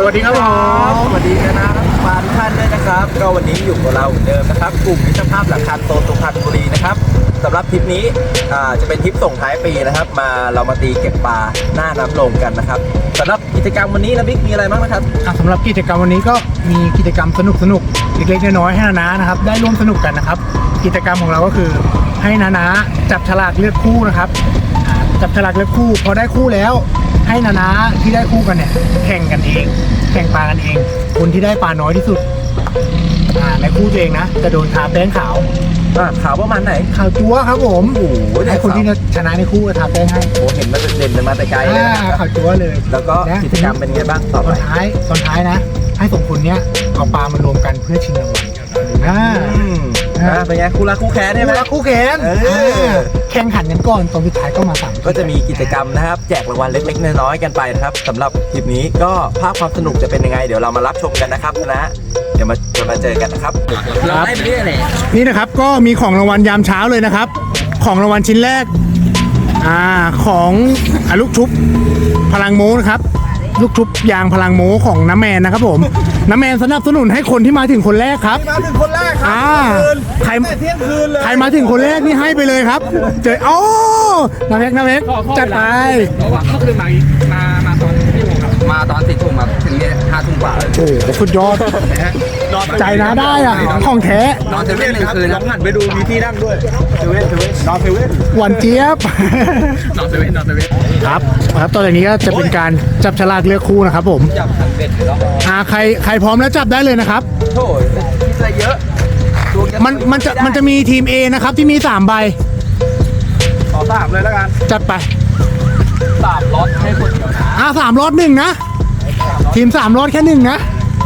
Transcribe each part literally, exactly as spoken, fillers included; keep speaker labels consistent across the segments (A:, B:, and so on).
A: วัสดีครับผม
B: สวัสดีกันนะครับมาทุกท่านด้วยนะครับก็วันนี้อยู่กับเราเหมือนเดิมนะครับกลุ่มมิตรภาพหลักคันโซนสุพรรณบุรีนะครับสำหรับทริปนี้จะเป็นทริปส่งท้ายปีนะครับมาเรามาตีเก็บปลาหน้าน้ำลงกันนะครับสำหรับกิจกรรมวันนี้นะบิ๊กมีอะไรบ้างนะครับ
A: สำหรับกิจกรรมวันนี้ก็มีกิจกรรมสนุกสนุกเล็กๆน้อยๆให้นานานะครับได้ร่วมสนุกกันนะครับกิจกรรมของเราก็คือให้นานาจับฉลากเลือกคู่นะครับจับฉลากเลือกคู่พอได้คู่แล้วให้นานาที่ได้คู่กันเนี่ยแข่งกันเองแข่งปลากันเองคนที่ได้ปลาน้อยที่สุดในคู่ตัวเองนะจะโดนทาแป้งขาว
B: ขาวประมาณไหน
A: ขาวจั๊วครับผมโอ้โหให้คนที่ชนะในคู่ทาแป้งให้
B: โอ้เห็นมันเด่นมาแต่ไกลเลย
A: ขาวจั๊วเลย
B: แล้วก็กิจกรรมเป็นไงบ้างต่อไป
A: ตอนท้ายตอนท้ายนะให้สองคนเนี้ยเอาปลามารวมกันเพื่อชิงรางวัลอ่า
B: เป็นไงคู่รักคู่แค้นใช่ไหม
A: คู่รักคู่แค้นแข่งขันกันก่อนตอนสุดท้ายก็มาสั่ง
B: ก็จะมีกิจกรรมนะครับแจกรางวัลเล็กๆน้อยๆกันไปนะครับสำหรับคลิปนี้ก็ภาพความสนุกจะเป็นยังไงเดี๋ยวเรามารับชมกันนะครับนะเดี๋ยวมาจะมาเจอกันนะครับ
A: ครับนี่นะครับก็มีของรางวัลยามเช้าเลยนะครับของรางวัลชิ้นแรกอ่าของอลูกชุบพลังโม้นะครับลูกชุบยางพลังโม้ของน้ำแมนนะครับผมน้ำแมนสนับสนุนให้คนที่มาถึงคนแรกครับ
B: มาถึงคนแรกครับ
A: ใคร
B: เที่ยงคืนเลย
A: ใครมาถึงคนแรกนี่ให้ไปเลยครับเจอโอ้น้ำเพกน้ำเพกจัดไป
C: เพราะว่าเมื่อคืนมามามาตอนที่โมงครับมาตอนสี่ทุ่มมาถึงเนี่ยห้าทุ่มกว่าเลย
A: โอ้โหสุดยอดใจนะได้อ่ะของแท้
C: นอนเซเว่นหนึ่งคืน
B: ลองหันไปดูมีที่นั่งด้วยเซเว่นเซเว่นนอนเซเว่น
A: หวานเจี๊ยบ
C: นอนเซเว่นนอนเซเว่น
A: ครับครับตอนนี้ก็จะเป็นการจับฉลากเลือกคู่นะครับผม
B: จับคันเบ็ดหรอ
A: อ่าใครใครพร้อมแล้วจับได้เลยนะครับ
B: โถ่คิดอะไรเยอะ
A: มันมันจะมันจะมีทีม A นะครับที่มีสามใบ
B: ขอสามเลยแล้วกัน
A: จัดไป
B: สามรถให้คนเดียวนะ
A: อ่าสามรถหนึ่งนะทีมสามรถแค่หนึ่งนะ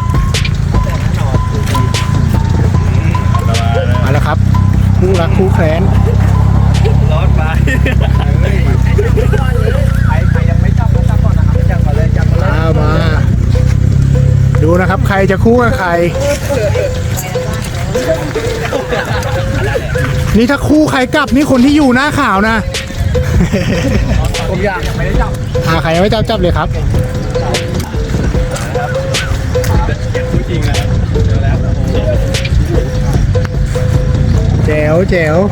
A: มาแล้วครับคู่รักคู่แค้น
B: รถไปใครใครยังไม่จับก็จับก่อนนะครับจับมาเลยจับมาเลย
A: มาดูนะครับใครจะคู่กับใครนี่ถ้าคู่ใครกลับนี่คนที่อยู่หน้าข่าวนะ
B: ผมอยากยังไม่ได้จับ
A: อ่าใครยังไม่จับจับเลยครับ
B: จริงนะ
A: แจ๋วแจ๋ว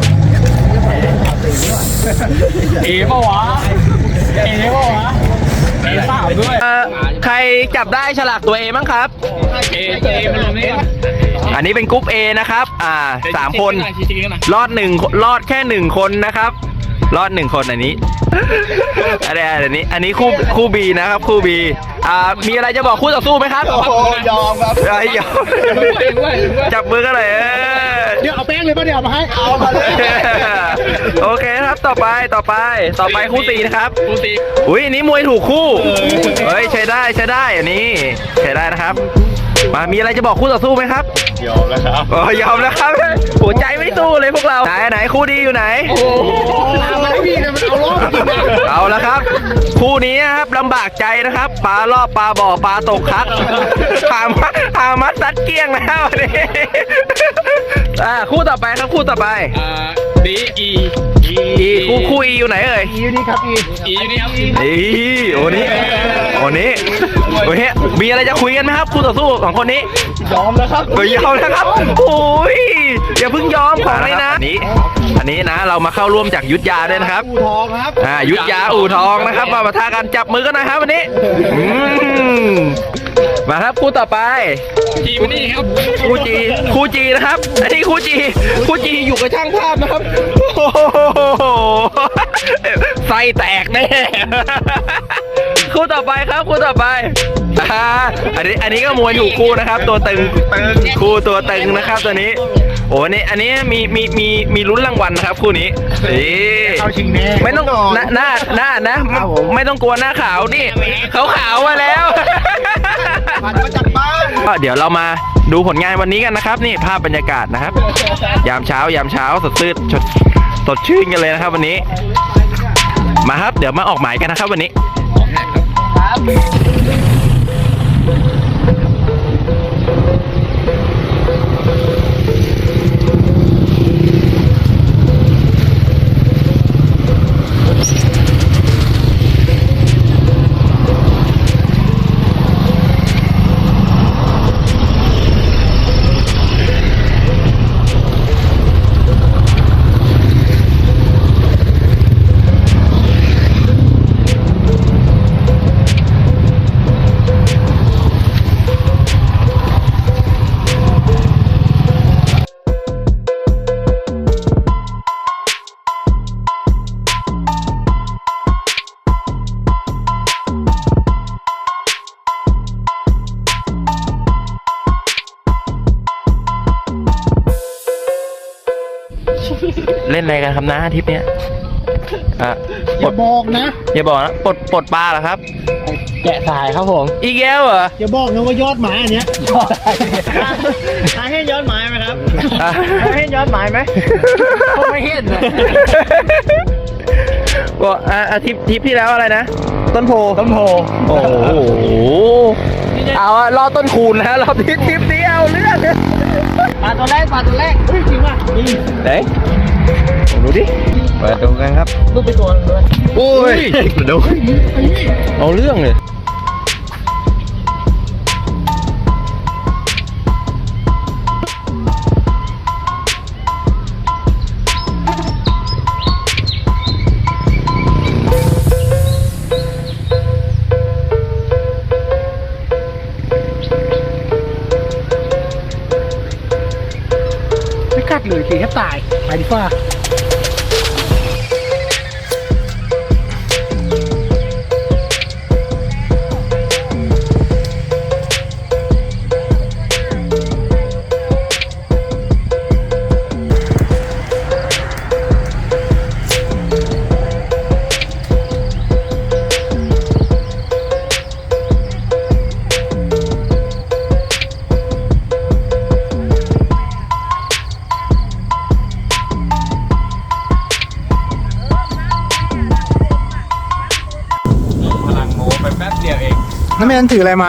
C: เอ๋ปะวะเอ๋ปะวะเอ๋สามด้วย
B: ใครจับได้ฉลากตัวเอมั้งครับ
C: เอ๋เอ๋มาลงนี่
B: อันนี้เป็นกรุ๊ป A นะครับอ่าสามคนรอดหนึ่งรอดแค่หนึ่งคนนะครับรอดหนึ่งคนอันนี้อันนี้อันนี้อันนี้คู่คู่ B นะครับคู่ B อ่ามีอะไรจะบอกคู่ต่อสู้ไหมครับ
A: โอ้ยอมครับ
B: ยอมจับมือกันเลย
A: เดี๋ยวเอาแป้งเลยป่ะเดี๋ยวมาให้เอามาเลย
B: โอเคครับต่อไปต่อไปต่อไปคู่สี่นะครับ
C: คู่สี่
B: อุ้ยอันนี้มวยถูกคู่เฮ้ยใช้ได้ใช้ได้อันนี้ใช้ได้นะครับมามีอะไรจะบอกคู่ต่อสู้ไหมครับ
C: ยอมแล้วครับ
B: อ๋อยอมแล้วครับหัวใจไม่สู้เลยพวกเราไหนไหนคู่ดีอยู่ไหน
C: โอ้มันไม่มีนะมันเอาล้อ
B: เอาแล้วครับคู่นี้นะครับลำบากใจนะครับปลารอบปลาบ่อปลาตกคักหามาหามาซัดเกี้ยงแล้ววันนี้อ่าคู่ต่อไปครับคู่ต่อไป
C: อ่าดีอี
B: อีคู่คู่อีอยู่ไหนเอ่ย
A: อีอยู่นี่ครับอี
C: อีอยู่นี่ครับ
B: อีโอ้นี่โอ้นี่โอ้เฮ้ยมีอะไรจะคุยกันไหมครับคู่ต่อสู้ของคนนี้
C: ยอมแล้วครับ
B: ยอมแล้วครับโอ้ยอย่าเพิ่งยอมของเลยนะอันนี้อันนี้นะเรามาเข้าร่วมจากยุทธยาด้วยนะครับ
A: อู่ทองครับ
B: อ่ายุทธยาอู่ทองนะครับมาปะทะกันจับมือกันหน่อยครับวันนี้มาครับคู่ต่อไป
C: จีนี่ครับ
B: คู่จีคู่จีนะครับอันนี้คู่จีคู่จีอยู่กับช่างภาพนะครับไส้แตกแน่คู่ต่อไปครับคู่ต่อไปอันนี้อันนี้ก็มวยถูกคู่นะครับตัวตึงคู่ตัวตึงนะครับตัวนี้โอ้นี่อันนี้มีมีมีมีลุ้นรางวัลนะครับคู่นี้
A: เข้าชิงแน่
B: ไม่ต้องหน้าหน้าหน้านะไม่ต้องกลัวหน้าขาวนี่เขาขาวมาแล้วก็เดี๋ยวเรามาดูผลงานวันนี้กันนะครับนี่ภาพบรรยากาศนะครับยามเช้ายามเช้าสดชื่นสดชื่นกันเลยนะครับวันนี้มาครับเดี๋ยวมาออกหมายกันนะครับวันนี้
D: ล่นอะไรกันครับนะทริปเนี้ยอ่ะ
A: อย่าบอกนะ
D: อย่าบอกนะปลดปลดปลาเหรอครับ
A: แกะสายครับผม
D: อีกแล้วเหรอ
A: อย่าบอกนะว่ายอดหมายอันเนี้ยยอดหาให้ยอดหมายไหมครับ
D: อ่ะ
A: หาให้ยอดหมายไหมผมไม่เห็นนะ
D: บอกอ่ะอ่ะทริปทริปที่แล้วอะไรนะ ต้นโพ
A: ต้นโพ
D: โอ้โหเอาอะรอต้นคูณนะรอบทริปทริปนี้เอาเรื่อง
A: ปลาตัวแรกปลาตัวแรกเฮ้ยจริงป่ะนี่
D: ไหนดูดิมาดูกันครับ
A: ลูกไปตัวนึงเลย
D: โอ้ยดูเอาเรื่องเลย
A: ไม่กัดเลยสิแค่ตายไปดีกว่า
B: พลังโม้ไปแป๊บเดียวเอง
A: น้ำแมนถืออะไรมา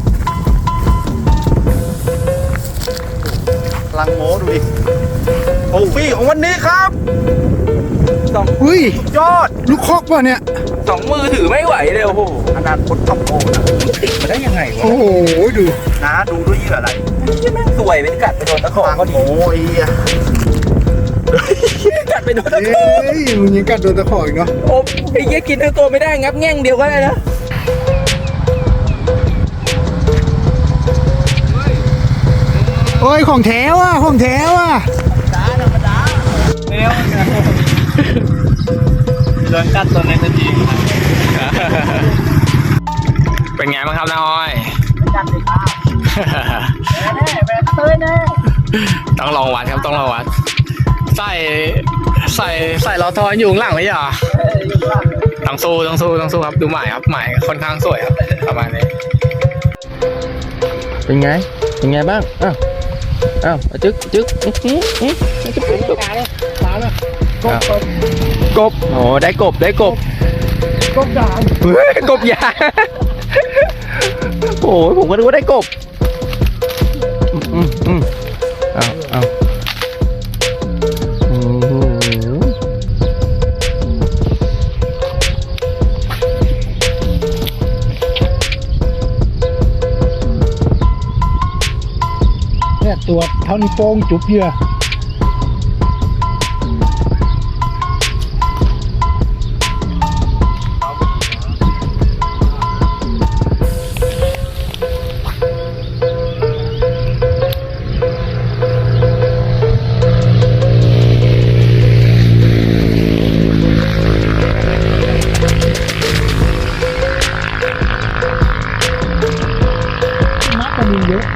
B: พลังโม้ดูดิโอ้ฟี่ของวันนี้ครับสอง
A: อุ้ย
B: ยอด
A: ลูกคอกป่ะเนี่ย
B: สองมือถือไม่ไหวเลยโอ้โหขนาดคนขับโอ้นะติดมาได้ยังไงวะ
A: โอ้โหดู
B: น้าดูด้วยยี่อะไรยี่แม่งสวยเป็นกัดไปโดนตะขอก็ดีโอ้ยกัดไปโดนตะขอ
A: เอ้ยมึงยังกัดโดนตะขออีกเนาะ
B: โอ้ไอ้เหี้ยกินทั้งตัวไม่ได้งับแง่งเดียวก็ได้นะ
A: โอ้ยของแท้ว่ะของแท้ว่ะ
B: โดนกัดตัวในทันที
D: เป็นไงบ้างครับน้าอ้อย
A: กัดเลยครับแน่แน่เต้ยแน่
D: ต้องลองวัดครับต้องลองวัด ใส่ใส่ใส่ล้อทอนอยู่ข้างหลังไหมอ่ะต้องสู้ต้องสู้ต้องสู้ครับดูหมายครับหมายค่อนข้างสวยครับประมาณนี้เป็นไงเป็นไงบ้างอ้าวอ้าวจึ๊กจึ๊กอื้อหืออื้อจึ๊กจึ๊กจึ๊ก
A: ตายเลยตายเลยกบกบ
D: กบโอ้ได้กบได้กบ
A: กบด่าง
D: เฮ้ยกบยางโอ้ยผมก็นึกว่าได้กบอืมอืมเอาเอาโอ้โห
A: เนี่ยตัวเท่านี้วโป้งจุ๊บเหยื่อมัดมันมีเยอะ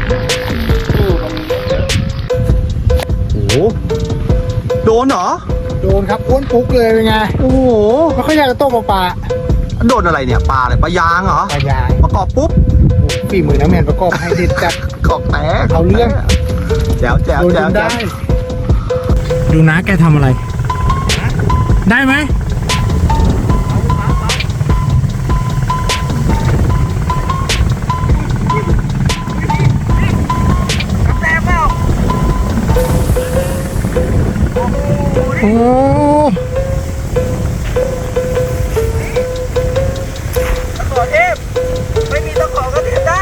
B: โอ้โดนเหรอ
A: โดนครับอ้วนปุ๊กเลยเป็นไง
B: โอ้โห
A: ไม่ค่อยอยากจะโต้ปลา
B: โดนอะไรเนี่ยปลาอะไรปลายางเหรอ
A: ปลายาง
B: ประกอบปุ๊บ
A: โอ้ฝีมือน้ำแมนประกอบให้เด็ดจัด
B: กอกแตก
A: เอาเรื่อง
B: แจ๋วแจ๋ว
A: โดนจ
B: แจ๋วน แจ๋
A: ได้
B: ว
A: ดูนะแกทำอะไร ได้ไหม โอ้
B: ตะขอเทพไม่มีตะขอก็เทพได้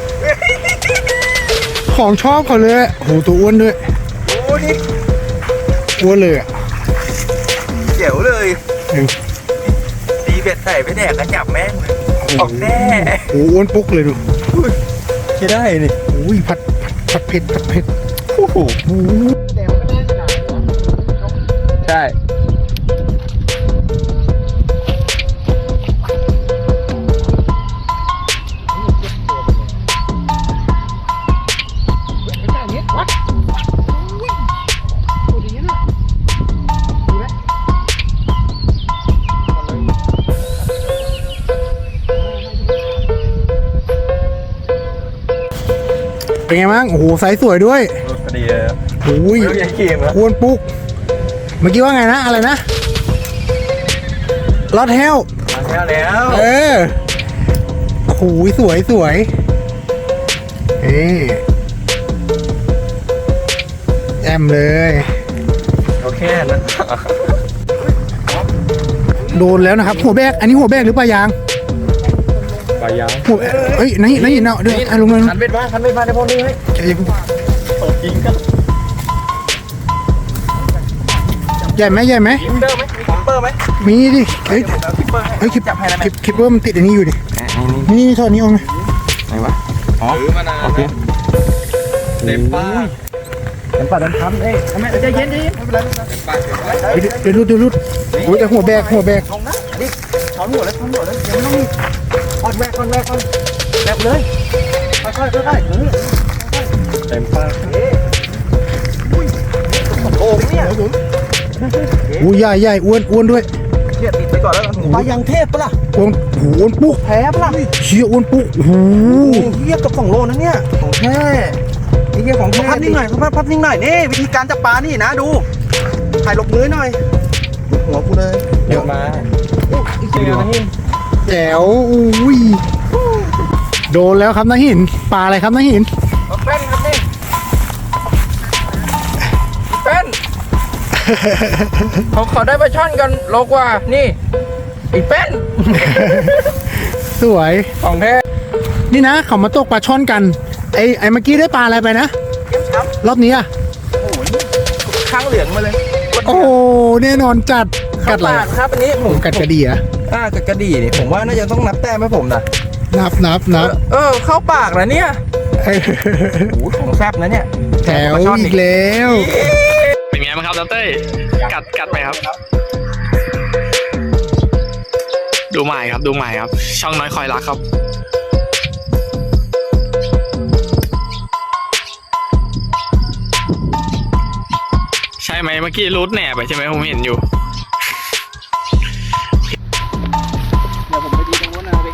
A: ของชอบเขาเลยอะโหตัวอ้วนด้วย
B: โอ้นี่
A: อ้วนเลยอ่ะ
B: เจ๋วเลย
A: เออ
B: ดีเบ็ดใส่ไปแดกกระจับแม่งเลยออกแน่
A: โอ้อ้วนปุ๊กเลยดู
B: ใช่ได้นี่
A: โอ้ยผัดผัดเผ็ดผัดเผ็ด
B: โอ้โห
A: โอ้แต่มันก็ได้ขนาดนี้
D: ใช่
A: เป็นไงบ้างโอ้โหไซส์สวยด้วย
B: รูดพอดีเลย
A: โอ้ย
B: ไม่รู้ยังเกมเหรอ
A: ควรปุ๊กเมื่อกี้ว่าไงนะอะไรนะลอดแฮล
B: มาแล้วแล้ว
A: เออโอ้โหสวยสวยเอ๊แอมเลย
B: โอเคนะ
A: โดนแล้วนะครับ หัวแบกอันนี้หัวแบกหรือปลายาง
B: ปลายาง
A: หัวเอ้ยนี่นี่เนาะเดี๋ยวอ่ะลงเลย
B: คันเบ็ดมาคันเบ็ดมาในพวกนี้ให้
A: ใจเย็น
B: เปิดยิงกัน
A: ใหญ่ไหมใหญ่ไหม
B: คิปเปอร์ไหมมีคิปเปอร์ไหม
A: มีดิเฮ้ย
B: เอาคิปเปอร์ให้
A: เฮ้ยคลิป
B: จับให้แล้วไหม
A: คลิปคลิปว่ามันติดอันนี้อยู่ดิ
B: นี่นี่
A: นี่ถอดนี้ออกนะ
B: ไหนวะอ๋อ
C: ถือมานาน
B: โอเค
C: เต็มป้า
B: เต็มปากเต็มคำเอ้ยแม่ใจเย็นใจเย็นไม่เป็นไรไม่เป็นไร
A: เฮ้ยเดี๋ยวรุดเดี๋ยวรุดโอ้ยแต่หัวแบกหัวแบก
B: ลงนะนี่ช้อนหัวแล้วช้อนหัวแล้วเดี๋ยวไม่ต้องมีคอนแวกคอนแวกคอนแบบเลยค่อยๆค่อยๆเออเต็มปากเอ้ยอุ้ยโอ้เนี่ย
A: อู้ใหญ่ใหญ่อ้วนอ้วนด้วย
B: เนี่ยติดไปก่อนแล้วกันปลายังเทพปะล่ะ
A: อ้วนโอ้โหอ้วนปุ๊ก
B: แพ้ปะล่ะ
A: เชี่ยอ้วนปุ๊กโอ้โห
B: เฮียกับสองโลนะเนี่ยของแท้ไอ้เฮียของแท้พับนิ่งหน่อยพับพับนิ่งหน่อยนี่วิธีการจับปลานี่นะดูถ่ายหลบมือหน่อยหัวกูเลยเดี๋ยวมาอีกทีเดียวนะนี่
A: แจ๋วอุ้ยโดนแล้วครับนาหินปลาอะไรครับนาหิน
C: เป็นครับนี่เป็นเขาขอได้ปลาช่อนกันโลกว่านี่อีเป็น
A: สวย
C: ของแท้
A: นี่นะเขามาตกปลาช่อนกันไอไอเมื่อกี้ได้ปลาอะไรไปนะ
B: เก็บช้ำ
A: รอบนี้อ่ะ
B: โอ้ยข้างเหลืองมาเลย
A: โอ้แน่นอนจัดกัดอะไร
B: ปาดครับอันนี้ผม
A: กัดกระดี่อะ
B: อ่ากัดกระดี่นี่ผมว่าน่าจะต้องนับแต้มให้ผมนะ
A: นับนับนับ
B: เออเข้าปากนะเนี่ย
A: เออ
B: โอ้โหของแซ่บนะเนี่ย
A: แถวอีกแล้ว
D: เป็นไงบ้างครับดรเต้ยกัดกัดไหมครับ ดูใหม่ครับดูใหม่ครับ ช่องน้อยคอยรักครับ ใช่ไหมเมื่อกี้รูดแหน่ไปใช่ไหมผมเห็นอยู่
C: เดี๋ยวผมไปดีตรงนู้นนะพี่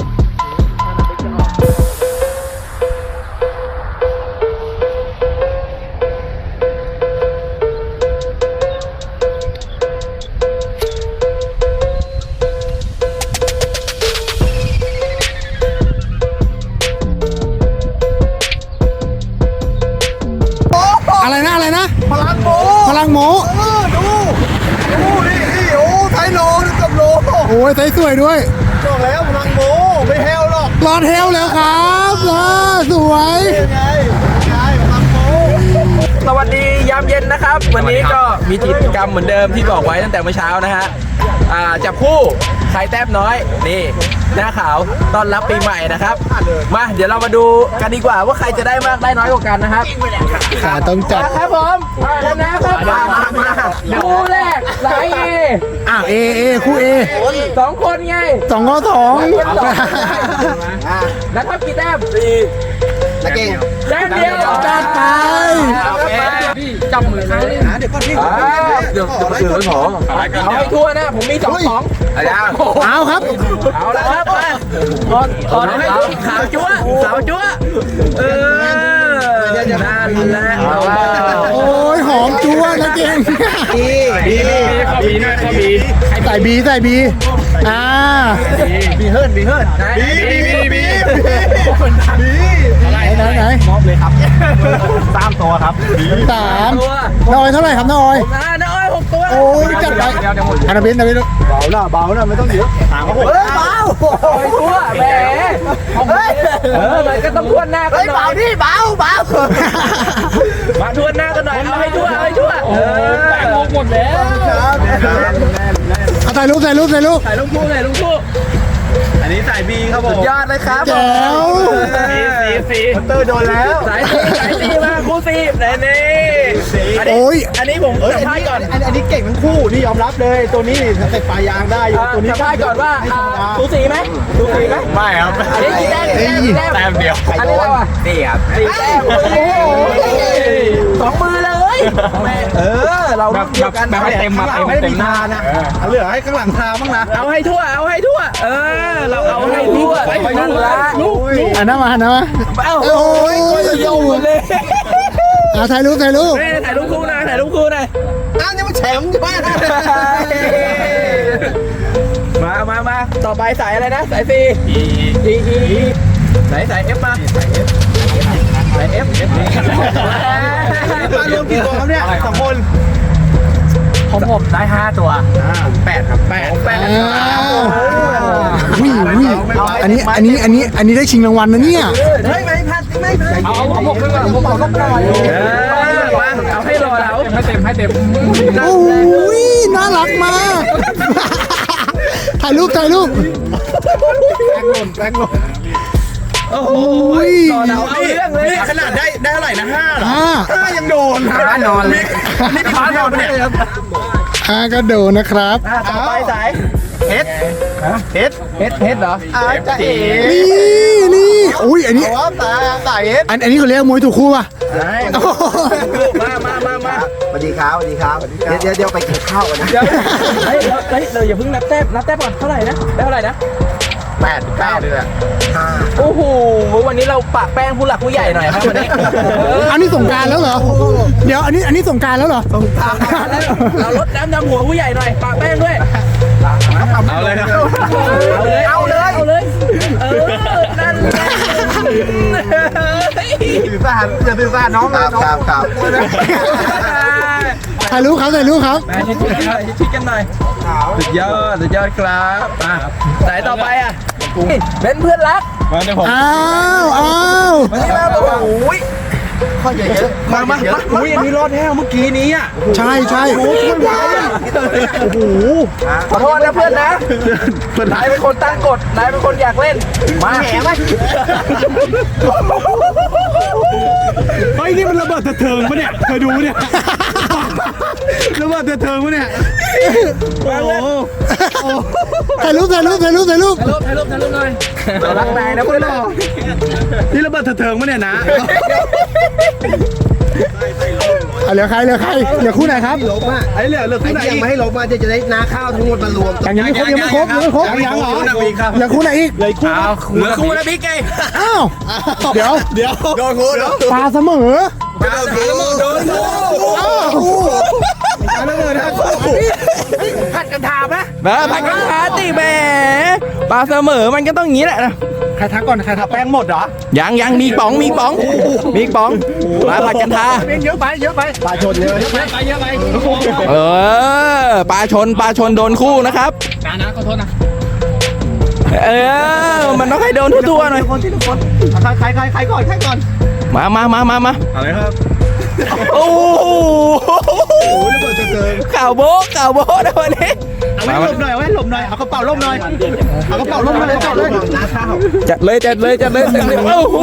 A: อะไรนะอะไรนะ
B: พลังโม
A: พลังโม
B: เออดูดูนี่นี่โอ้ไทยโลนี่กับโล
A: โอ้ยใส่สวยด้วย
B: บอกแล้วพลังโมไม่แฮวหรอก
A: รอดเทลแล้วครับอ่าสวย
B: ยังไงยังไงพลังโมสวัสดียามเย็นนะครับ วันนี้ก็มีกิจกรรมเหมือนเดิมที่บอกไว้ตั้งแต่เมื่อเช้านะฮะอ่าจับคู่ใครแต้มน้อยนี่หน้าขาวต้อนรับปีใหม่นะครับมาเดี๋ยวเรามาดูกันดีกว่าว่าใครจะได้มากได้น้อยกว่ากันนะครับ
A: ขาต้องจับ
B: มาครับผมชนะครับมามามาคู่แรกสายเอ
A: อ้าวเอเอคู่เอ
B: สองคนไง
A: สองก็สอง
B: แล้วทับกี่แต้มสี่ตะเก่งแต้มเดียว
A: จัดไป
C: พี่จับมือครั้งนี้
B: เดี๋ยวก่อนพี่เดี๋ยวจะไปซื้อหมอเอาให้ทั่วนะผมมีสองสองอะไรอ่ะ
A: เอาครับ
B: เอาละครับมาตอนตอนให้ขาวจั๊วขาวจั๊วเออนั่นแหละเอาละ
A: โอ้ยหอมจั๊วนะเก่ง
B: บีบีบี
C: ข้อบีนะข้อบี
A: ใส่บีใส่บีอ่า
B: บีเฮิร์นบีเฮิร์นบีบีบีบี
A: ไหนไหนไหน
B: มอบเลยครับสามตัวครับ
A: สาม
B: ตัว
A: น้อยเท่าไหร่ครับน้อย
B: อ่าน้อยหกตัว
A: โอ้ยจัดไปอันนั้นเป็นอันนั้นเป็น
B: เบาหน้าเบาหน้าไม่ต้องเยอะถามเขาผมเบาตัวแหมเออมันก็ต้องทวนหน้ากันหน่อยเบาดิเบาเบามาทวนหน้ากันหน่อยเอาให้ทั่วเอาให้ทั่วเออ
C: แตงโมหมดแล้ว
A: เอาถ่ายรูปถ่ายรูปถ่ายรูป
B: ใส่ลุงคู่ใส่ลุงคู่อันนี้สายบีครับผมสุดยอดเลยครับ
A: แจ๋ว
C: สีสี
B: เตอร์โดนแล้วสายซีสายซีมาคู่ซีนี่นี่อันนี้
A: โอ้ย
B: อันนี้ผมสัมภาษณ์ก่อน
E: อันอันนี้เก่งทั้งคู่นี่ยอมรับเลยตัวนี้สเต็ปปลายางได้อยู่ตัวนี้
B: สัมภาษณ์ก่อนว่าสูสีไหมสูสีไหม
C: ไม่ครับ
B: อันนี้กี่แต้มกี่แต้มกี่แต้ม
C: แต้มเดียว
B: อันนี้เราอ่ะสี่ครับสี่แต้มโอ้โหสองมือเลยยเออเรา
C: แบบ
B: เดียวกัน
C: แบบให้เต็มมาเต็ม
E: ไม่ได้
C: เต็
E: มี
C: มหน้า
E: ทานะเอาเหลือให้ข้างหลังทาบ้างนะ
B: เอาให้ทั่วเอาให้ทั่วเออเราเอาให้ทั่วนั่นละ
A: อันนั้นมาอันนั้นมา
B: เอ้า
A: โอ้ย
B: อยู่เลย
A: เอาถ่ายรูปถ่ายรูป
B: ถ่ายรูปคู่นะถ่ายรูปคู่หน่อย
E: อ้าวนี่มันแฉมใช่ไหม
B: มามามาต่อไปสายอะไรนะสายซีอีอีอีสายสายเอฟมาสายเอฟสายเอฟ
E: มารวมกี่ตัวครับเนี่ยสองคน
B: ผมผมได้ห้าตัวแปดครับแปดแปด
A: อ้าววิ่งวิ่งอันนี้อันนี้อันนี้อันนี้ได้ชิงรางวัลนะเนี่ย
E: ไม่ไม่พัดไม่พัด
C: เอาเอาผมขึ้นมาผมเอาลบหน่อย
B: มาเอาให้รอเรา
C: ให้เต็มให้เต็ม
A: โอ้ยน่ารักมากถ่ายรูปถ่ายรูป
B: โอ้โหรอเราเอาเรื่องเลย
E: ขนาดได้ได้เท่าไหร่นะห้าเหรอ
A: อ่า
E: ห้ายังโดน
C: ห้านอนเลย
E: นี่พี่นอนเนี่ย
A: อ่าก็โดนนะครับ
B: ต่อไปสาย
E: เฮ็ดเฮ็ด
B: เฮ็ดเฮ็ดเหรอ
E: อาจะเอ๋
A: นี่นี่อุ้ยอันนี้
E: ว่าตาตาเฮ็ด
A: อันอันนี้เขาเรียกมวยถูกคู่ป่ะ
B: มามามามา
E: สวัสดีครับสวัสดีครับเดี๋ยวเดี๋ยวไปกินข้าวกันนะ
B: เดี๋ยวเฮ้ยเฮ้ยเราอย่าเพิ่งนับแต้มนับแต้มก่อนเท่าไหร่นะได้เท่าไหร่นะ
E: แปดเก้าเลยแหละห้า
B: โอ้โหวันนี้เราปะแป้งผู้หลักผู้ใหญ่หน่อยครับวันนี้
A: อันนี้สงกรารแล้วเหรอเดี๋ยวอันนี้อันนี้สงกรารแล้วเหรอ
B: เราลดน้ำดำหัวผู้ใหญ่หน่อยปะแป้งด้วย
C: เอาเลยครับ
B: เอาเลยเอาเลยเอาเลยเออนั่นแหละ
E: สื่อสารอย่าสื่อสารน้องครับครับครับ
A: ถ่ายรูปครับถ่ายรูปครับ
B: มาชิดๆกันหน่อยชิดๆกันหน่อยสุดยอดสุดยอดครับมาสายต่อไปอ่ะเป็นเพื่อนรัก
C: มาเดี๋ยวผม
A: อ้าวอ้าว
B: วันนี้มาแบบโอ้ย
E: ข้อใหญ่เยอะ
B: มามามาอุ้ยอันนี้รอดแท้เมื่อกี้นี้อ่ะ
A: ใช่ใช่
B: โอ้โหขอโทษนะเพื่อนนะนายเป็นคนตั้งกฎนายเป็นคนอยากเล่นมาแหม
E: เฮ้ยนี่มันระเบิดเถิงปะเนี่ยเคยดูเนี่ยระเบิดเถิงปะเนี่ยโอ้โห
A: ถ่ายรูปถ่ายรูปถ่ายรูปถ่ายรูป
B: ถ่ายรูปถ่ายรูปถ่ายรูปหน่อยเรารักนายนะเพื่อนเรา
E: นี่ระเบิดเถิงปะเนี่ยนะ
A: อ่ะเหลือใครเหลือใครเหลือคู่ไหนครับ
E: ลบอ่ะไอ้เหลือเหลือคู่ไหนยังไม่ให้ลบมาจะจะได้นาข้าวทั้งหมดมารวม
A: ยังยังไม่ครบยังไม่ครบยังไม่ครบ
E: ยังเหรอ
A: เหลือคู่ไหนอีก
E: เลยคู่
B: เหลือคู่นะพี่ไง
A: อ้าวเดี๋ยว
E: เดี๋ยวโดนคู่เดี๋ยว
A: ปลาเสมอ
B: โดนคู่โดนคู่
A: อ้าว
E: ระเบิดนะคู่
A: ผัดกันถามนะ
B: มาผัดกันทาติแหมปลาเสมอมันก็ต้องอย่างนี้แหละนะ
A: ใครทักก่อนใครทัก
E: แป้งหมดเหรอ
B: ยังยังมีป๋องมีป๋องมีป๋องมาผัดกันทา
A: เป็นเยอะไปเยอะไป
E: ปลาชนเยอะ
C: ไปเยอะไป
B: เออปลาชนปลาชนโดนคู่นะครับ
C: นะนะขอโทษนะ
B: เออมันต้องให้โดนทั่วๆหน่อย
E: คนที่ทุกคนใครใครใครใครก่อนใครก่อน
B: มามามามามา
E: อะไรครับ
B: โอ้โห
E: โอ้ระเบิดเถิง
B: ข่าวโบ๊ะข่าวโบ๊ะนะวันนี้
E: เอาไว้หลบหน่อยเอาไว้หลบหน่อยเอากระเป๋าล่มหน่อยเอากระเป๋าล่มมาเลยจับเลยนาข้าว
B: จัดเลยจัดเลยจัดเลยจัดเลยโอ้โห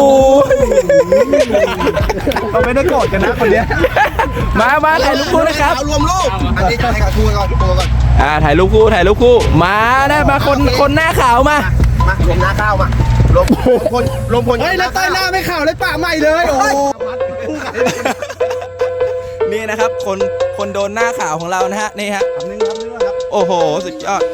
E: เราไม่ได้โกรธกันนะคนเนี้ย
B: มามาถ่ายรูปคู่นะครับ
E: รวมรูปอันนี้จะให้กับคู่ก่อนคู่ก่อน
B: อ่าถ่ายรูปคู่ถ่ายรูปคู่มานะมาคนคนหน้าขาวมาม
E: ารวมหน้าข้าวมารวมคนรวมคนเฮ้ยแล้วใต้หน้าไม่ข่าวเลยป่าใหม่เลยโอ้
B: นี่นะครับคนคนโดนหน้าขาวของเรานะฮะนี่ฮะ
E: คำนึงครับนึงครับ
B: โอ้โหสุดยอด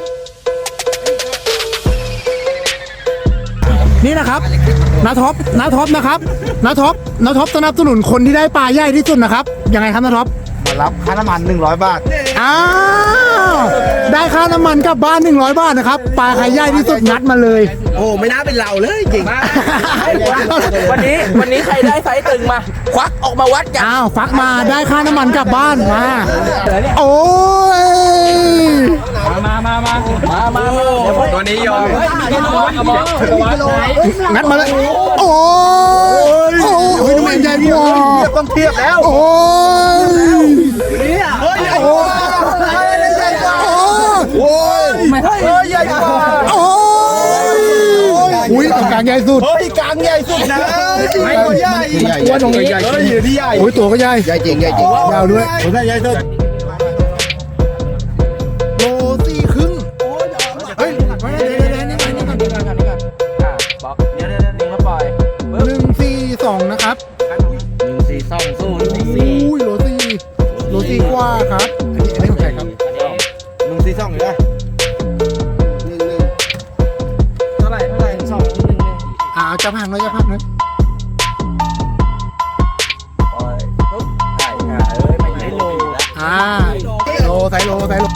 A: นี่นะครับนาท็อปนาท็อปนะครับนาท็อปนาท็อปสนับสนุนคนที่ได้ปลาใหญ่ที่สุดนะครับยังไงครับนาท็อป
E: มารับค่าน้ำมันหนึ่งร้อยบาท
A: อ้าวได้ค่าน้ำมันกลับบ้านหนึ่งร้อยบาทนะครับปลาใครใหญ่ที่สุดงัดมาเลย
E: โอ้ไม่น่าเป็นเราเลยจริง
B: วันนี้วันนี้ใครได้ไซส์ตึงมาควักออกมาวัดกัน
A: อ้าวฟักมาได้ค่าน้ำมันกลับบ้านมาโอ้ย
C: มามามา
B: มามามาเดี๋ยว
C: ตัวนี้ยอม
A: งัดมาเลยโอ้ยโอ้ยน้ำมันใหญ่กว่า
E: เทียบต้องเทียบแล้ว
A: โอ้ย
E: เฮ้ย
A: โอ้ยโอ้ย
E: ไม่เฮ้ยใหญ่กว่า
A: โอ้ยอุ้ยตรงกลางใหญ่สุด
E: เฮ้ยกลางใหญ่สุดนะไม่ตัวใหญ่ตัวตรงนี้เฮ้ยที่ใหญ่
A: โอ้ยตัวก็ใหญ่
E: ใหญ่จริงใหญ่จริง
A: ยาวด้วย
E: ตัวใหญ่สุด
A: โลสี่ครึ่งเฮ้ยเดี๋ยวเดี๋ยวเดี๋ยวนี่ก่อนนี่ก่อน
B: นี่ก่อนนี่ก่อนอ่ะบอกเดี๋ยวเดี๋ยวเดี๋ยวดึงแล้วปล่อยปึ๊บ
A: หนึ่งสี่สองนะครับ
B: หนึ่งสี่สองศูนย์สี่
A: อุ้ยโลสี่จับห่างหน่อยจับห่างหน่อย
B: โอ้ยปุ๊บใช่อ่ะเอ้ยไม่ใช่โล
A: อ่าโลไซโลไซโล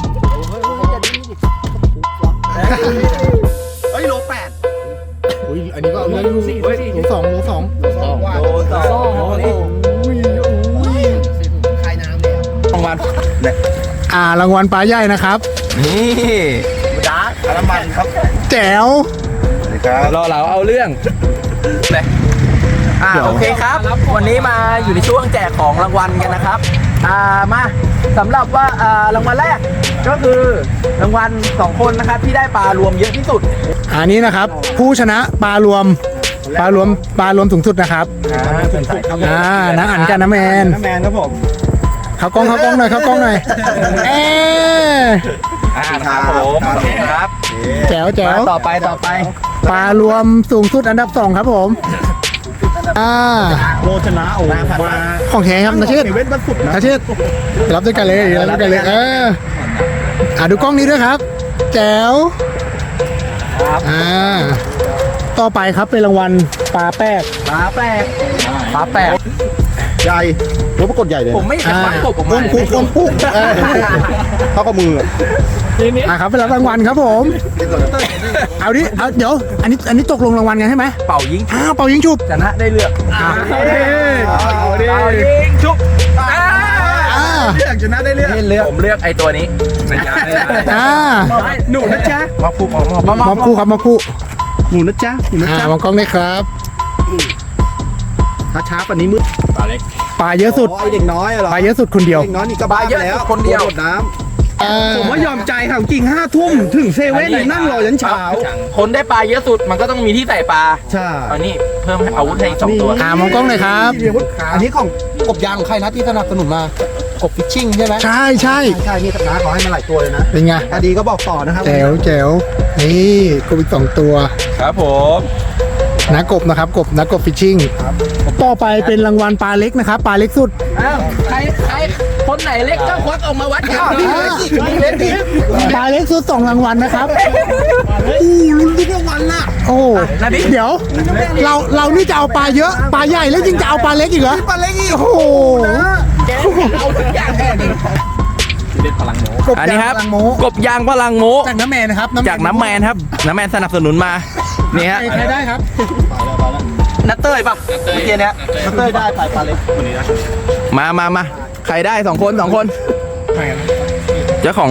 B: เฮ้ยโลแปด
A: อุ้ยอันนี้ก็เอาเรื่องอยู่โลสองโลสอง
B: โลสองนี่
A: อุ้ยอุ้ย
B: รางวัลเนี่ย
A: อ่ารางวัลปลาใหญ่นะครับ
B: นี่ดาร์กน้ำมันครับ
A: แจ๋ว
B: รอเราเอาเรื่องเลยอ่าโอเคครับ วันนี้มาอยู่ในช่วงแจกของรางวัลกันนะครับอ่ามาสำหรับว่าอ่ารางวัลแรกก็คือรางวัลสองคนนะครับที่ได้ปลารวมเยอะที่สุด
A: อันนี้นะครับ ผู้ชนะปลารวมปลารวมปลารวมสูงสุดนะครับ
B: อ่าเป็นสายครับ
A: อ่าน้าอันกันน้าแมน
E: น้ำแมนครับผม
A: เขากล้องเขากล้องหน่อยเขากล้องหน่อยเอ๊ะ
B: อ่าครับผมโอเคครับ
A: แจ๋วแจ๋ว
B: มาต่อไปต่อไป
A: ปลารวมสูงสุดอันดับสองครับผมอ่า
E: โลชนะโอ้มา
A: ของแท้ครับนาเชษ
E: เว้นวันศุกร์นะ
A: นาเชษรับด้วยกันเลยรับด้วยกันเลยเอออ่าดูกล้องนี้ด้วยครับ แจ๋วอ่าต่อไปครับเป็นรางวัลปลาแป๊ก
B: ปลาแปลกปลาแปลก
E: ใหญ่รถปรากฏใหญ่เลย
B: ผมไม่อยากวัดกบออกมา
A: คุกคุกคุกเออ
E: เท่ากับมือ
A: อ่ะครับเป็นรับรางวัลครับผมเอาดิเอาเดี๋ยวอันนี้อันนี้ตกลงรางวัลกันใช่ไหม
B: เป่ายิง
A: อ้าวเป่ายิงฉุบ
B: ชนะได้เลือก
A: อ่า
E: เอาดิ
B: เป่ายิงชุบอ่า
A: อ่า
E: เลือกชนะได้เลือก
B: เลือกผมเลือกไอ้ตัวนี้
A: อ่า
E: หนูนะจ๊ะ
B: มาพูมามา
A: มอบคู่ครับมอบคู่
E: หนูนะจ๊ะหนูนะ
A: อ่า
E: จ๊ะ
A: มองกล้องได้ครับ
E: ถ้าช้ากว่านี้มืด
A: ปลาเยอะสุด
E: อ๋อไอเด็กน้อยเหรอ
A: ปลาเยอะสุดคนเดียว
E: เด็กน้อยนี่ก็บ้าไปแล้วโดดน้
A: อ่า
E: ำผมว่ายอมใจค่ะจริงห้าทุ่มถึงเซเว่นนี่นั่งรอยันเช้า
B: คนได้ปลาเยอะสุดมันก็ต้องมีที่ใส่ปลา
E: ใช่
B: อันนี้เพิ่มอาวุธให้อีกสองตัว
A: อ่ามองกล้องหน่อยครับ
E: อันนี้ของกบยางของใครนะที่สนับสนุนมากบฟิชชิ่งใช่ไหม
A: ใช่ใช่
E: ใช่นี่น้าขอให้มาหลายตัวเลยนะ
A: เป็นไง
E: อดีก็บอกต่อนะครับ
A: แจ๋วแจ๋วนี่กบอีกสองตัว
B: ครับผม
A: นักกบนะครับกบนักกบฟิชชิ่งต่อไปเป็นรางวัลปลาเล็กนะครับปลาเล็กสุด
B: อ้าวใครใครคนไหนเล็กก็ควักออกมาวัดกัน
A: เล็กปลาเล็กสุดสองรางวัลนะครับอู้ลุ้นทุกรางวัลน่ะโอ้เดี๋ยว เราเรานี่จะเอาปลาเยอะปลาใหญ่แล้วยิ่งจะเอาปลาเล็กอีกเหรอปลาเล็กอีกโอ้โห
B: เอาทุกอย่างแค่นี้
A: กบ
B: อันนี้ครับ
A: ยางพลังโม
B: กบยางพลังโม
A: จากน้ำแมนนะครับ
B: จากน้ำแมนครับ น้ำแมนสนับสนุนมา นี่ฮะ
A: ใครได้ครับ
B: นัตเต้ยป่ะเมื่อกี้เนี้ย
E: นักเต้ยได้ไปปลาเล็กคนนี้นะ
B: มามามาใครได้สองคนสองคน เจ้าของ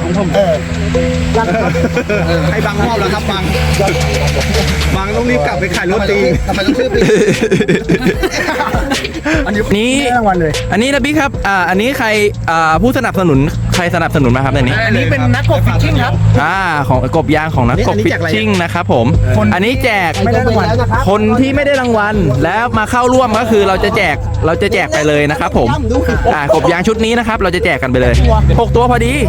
E: ให้บังมอบแล้วครับบังบังต้องรีบกลับไปขายโรตีทำไมต้องชื่อปี
B: นี้
A: ได้รางวัลเลย
B: อันนี้นะบิ๊กครับ อ่า อันนี้ใคร อ่า ผู้สนับสนุน ใครสนับสนุนมาครับในนี้
A: อันนี้เป็นนักกบฟิชชิ่งครับ
B: อ่า ของกบยางของนักกบฟิชชิ่งนะครับผม อันนี้แจก
A: ไม่ได้รางวัล
B: คนที่ไม่ได้รางวัลแล้วมาเข้าร่วมก็คือเราจะแจก เราจะแจกไปเลยนะครับผม อ่ากบยางชุดนี้นะครับ เราจะแจกกันไปเลยหกตัวพอดี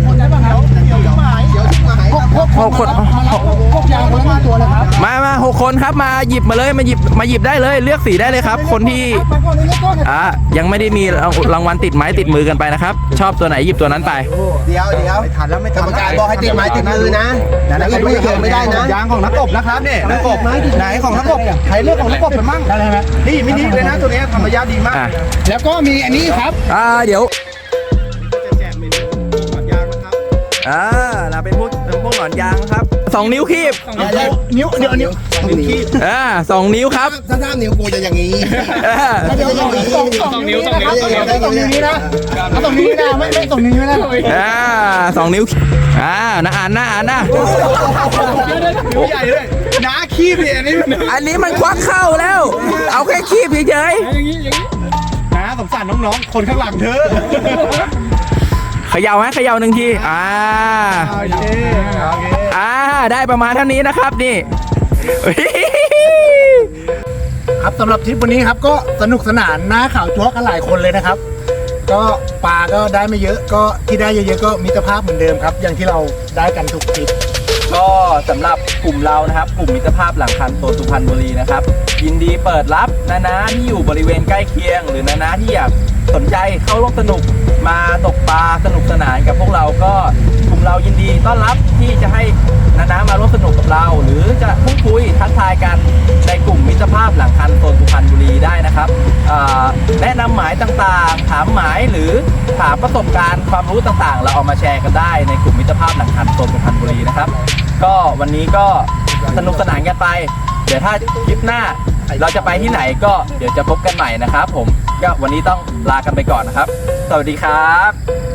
B: หกคน
A: กบยางคนละตัวเลยครับ
B: มามาหกคนครับ มาหยิบมาเลย มาหยิบ มาหยิบได้เลย เลือกสีได้เลยครับ คนที่ อ่า ยังไม่ได้มีรางวัลติดไม้ติดมือกันไปนะครับ ชอบตัวไหนหยิบตัวนั้นไป
E: เดี๋ยวเดี๋ยวไม่ทันแล้วไม่ทันกรรมการบอกให้ติดไม้ติดมือนะแล้วก็ไม่เกี่ยวไม่ได้นะยางของนักกบนะครับเนี่ยนักกบไหนของนักกบใครเลือกของนักกบไปมั่ง
A: ได้ไหม
E: นี่มินิเลยนะตัวนี้ธรรมยาดีมาก
B: อ่า
A: แล้วก็มีอันนี้ครับ
B: อ่า เดี๋ยว
E: แจกเมนูก่อนยางนะครับ
B: อ่าเราเป็นพวกเป็นพวกหนอนยางนะครับสองนิ้วคีบ
A: นิ้วเดี๋ยวนิ้ว
E: นิ้วขี้
B: อ่าสองนิ้วครับ
E: ถ้าถ้านิ้วกูจะอย่างนี้
B: อ่า
A: เดี๋ยวสองสองนิ้วสองนิ้วสองนิ้วนี้นะสองนิ้วนี้นะไม่ไม่สองนิ้วนี้นะ
B: อ่าสองนิ้วอ่านะอ่านนะอ่านนะ
E: ใหญ่เลยน้าขี้เพียนี่
B: อันนี้มันควักเข้าแล้ว เอาแค่คีบเฉย
E: น้าสงสารน้องๆคนข้างหลังเธอ
B: ๆเขย่าไหมเขย่าหนึ่งทีอ่า
E: โอเคโอเค
B: อ่าได้ประมาณเท่านี้นะครับนี่
A: ครับสำหรับทริปวันนี้ครับก็สนุกสนานหน้าข่าวจั๊วกันหลายคนเลยนะครับ ก็ปลาก็ได้ไม่เยอะก็ที่ได้เยอะๆก็มิตรภาพเหมือนเดิมครับ อย่างที่เราได้กันทุกทริป
B: ก็สำหรับกลุ่มเรานะครับ กลุ่มมิตรภาพหลังคันโซนสุพรรณบุรีนะครับ ยินดีเปิดรับนานาที่อยู่บริเวณใกล้เคียง หรือนานาที่อยากสนใจเข้าร่วมสนุกมาตกปลาสนุกสนานกับพวกเราก็กลุ่มเรายินดีต้อนรับที่จะให้นานามาร่วมสนุกกับเรา หรือจะพูดคุยทักทายกันในกลุ่มมิตรภาพหลังคันโซนสุพรรณบุรีได้นะครับอ่าแนะนำหมายต่างๆถามหมายหรือถามประสบการณ์ความรู้ต่างๆ เราเอามาแชร์กันได้ในกลุ่มมิตรภาพหลังคันโซนสุพรรณบุรีนะครับก็วันนี้ก็สนุกสนานกันไปเดี๋ยวถ้าคลิปหน้าเราจะไปที่ไหนก็เดี๋ยวจะพบกันใหม่นะครับผมก็วันนี้ต้องลากันไปก่อนนะครับสวัสดีครับ